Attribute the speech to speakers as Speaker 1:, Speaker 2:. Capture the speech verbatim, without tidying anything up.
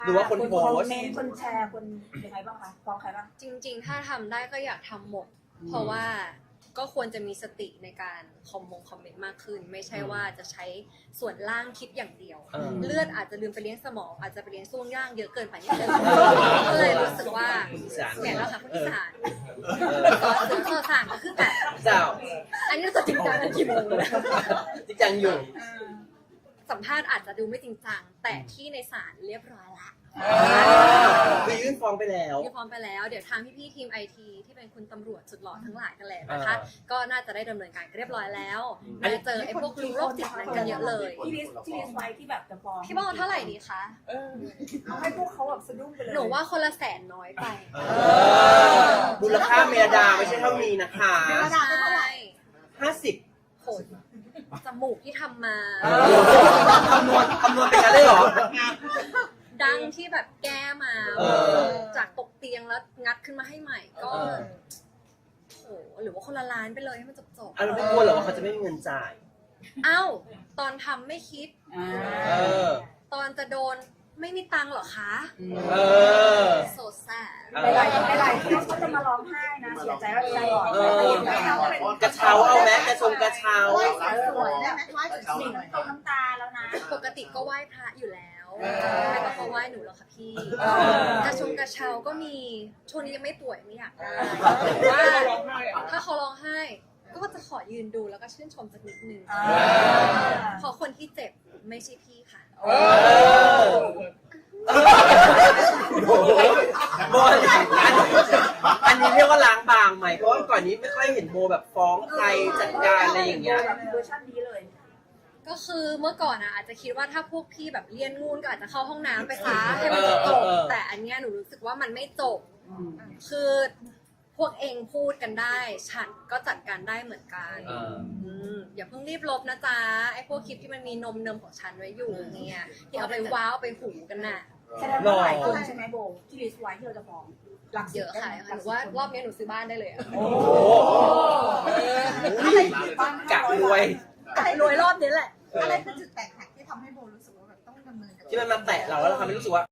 Speaker 1: หรือว่าคนโพ
Speaker 2: คอ
Speaker 1: ส
Speaker 2: ม
Speaker 1: ต์
Speaker 2: เมนต์คนแชร์คนยังไงบ้างคะฟ้องใครบ้าง
Speaker 3: จริงๆ ถ้าทำได้ก็อยากทำหมด เพราะว่าก็ควรจะมีสติในการคอมมงคอมเมนต์มากขึ้น ไม่ใช่ว่าจะใช้ส่วนล่างคิดอย่างเดียว
Speaker 1: เออ
Speaker 3: เลือดอาจจะลืมไปเลี้ยงสมอง อาจจะไปเลี้ยงช่วงย่างเยอะเกินไปนิดนึงก็เลยรู้สึกว่าเนี่ยแหละค่ะคนอีสานก็ซื้อโซสานก็คือแบบ
Speaker 1: เจ้า
Speaker 3: อันนี้เราจะจริงจังกันกี่โมงเลย
Speaker 1: จริงจังอยู่
Speaker 3: สัมภาษณ์อาจจะดูไม่จริงจัง แต่ที่ในศาลเรียบร้อยละ
Speaker 1: คือยื่นฟ้องไปแล้ว
Speaker 3: ที่พร้อมไปแล้วเดี๋ยวทางพี่ๆทีมไอทีที่เป็นคุณตำรวจสุดหล่อทั้งหลายกันแหละนะคะ
Speaker 1: อ่า
Speaker 3: ก็น่าจะได้ดำเนินการเรียบร้อยแล้ว
Speaker 1: อันนี้
Speaker 3: จะเจอไอ้พวกโรคจิตนั้นกันเยอะเลย
Speaker 2: ที่ลิสที่ลิสไว้ที่แบบจะฟ้อง
Speaker 3: พี่บ้องเอาเท่าไหร่ดีคะ
Speaker 2: เออเอาให้พวกเขาแบบสะดุ้งไปเลย
Speaker 3: หนูว่าคนละแสนน้อยไป
Speaker 1: เออมูลค่าเมรดาไม่ใช่เท่านี้นะคะ
Speaker 3: ใช่
Speaker 1: ห้าสิบ
Speaker 3: โหดจมูกที่ทำมา
Speaker 1: คำนวณคำนวณเป็นกันเลยเหรอ
Speaker 3: ดังที่แบบแก้มา
Speaker 1: เออ
Speaker 3: จากตกเตียงแล้วงัดขึ้นมาให้ใหม่ก็
Speaker 1: เออ
Speaker 3: โหหรือว่าคนละล้านไปเลยให้มันจบจบ
Speaker 1: อ่ะเราไม่กลัวเหรอว่าเขาจะไม่มีเงินจ่าย
Speaker 3: เอ้าตอนทำไม่คิด
Speaker 1: เออ
Speaker 3: ตอนจะโดนไม่มีตังค์เหรอคะ
Speaker 1: เออ
Speaker 3: โซแซด
Speaker 1: เอ
Speaker 2: ห
Speaker 1: อ
Speaker 2: ลายๆหลายๆที่เขาจะมาร้องไห้นะเสียใจว่าใจอ่อน
Speaker 1: เออกระเช้าเอาไหมกระชงกระเช้า
Speaker 2: สวยได้ไหมว่าสิ่งตรงน้ำตาแล้วนะ
Speaker 3: ปกติก็ไหว้พระอยู่แล้ว
Speaker 1: เออ
Speaker 3: ไม่ต้องมาไหว้หนูหรอกค่ะพี่
Speaker 1: เออ
Speaker 3: กระชงกระเช้าก็มีช่วงนี้ยังไม่ป่วยไม่อยากได้แต่ว่าถ้าเขาร้องไห้ ก็จะขอยืนดูแล้วก็ชื่นชมสักนิดนึงเพราะคนที่เจ็บไม่ใช่พี่ค่ะ
Speaker 1: เออโอ้โหโบอันอันนี้เรียกว่าล้างบางไหมเพราะว่าก่อนนี้ไม่ค่อยเห็นโบแบบฟ้องใครจัดการอะไรอย่างเงี้ย
Speaker 2: แบบเวอร์ชันนี้เลย
Speaker 3: ก็คือเมื่อก่อนอะอาจจะคิดว่าถ้าพวกพี่แบบเลี่ยนงูนก็อาจจะเข้าห้องน้ำไปซะให้มันจบ
Speaker 1: เออเออ
Speaker 3: แต่อันเนี้ยหนูรู้สึกว่ามันไม่จบ คือพวกเองพูดกันได้ ฉันก็จัดการได้เหมือนกัน
Speaker 1: เออ
Speaker 3: อืมอย่าเพิ่งรีบลบนะจ๊ะไอ้พวกคลิปที่มันมีนมเนมของฉันไว้อยู่เนี่ยที่เอาไปว้าวเอาไปหูกันน่ะ
Speaker 2: แสดงว่าหลายคนใช่ไหมโบที่ลิสไว้ที่เราจะฟ้องหลัก
Speaker 3: เยอะค่ะหรือว่ารอบนี้หนูซื้อบ้านได้เลยอะ
Speaker 1: โอ้โหกะรวย
Speaker 3: กรวยรอบนี้แหละ
Speaker 4: อะไรคือจุดแตกหักที่ทำให้โบรู้สึกว่าแบบต้องดำเนินกับ
Speaker 1: ที่มันมาแตะเราแล้วเราทำให้รู้สึกว่า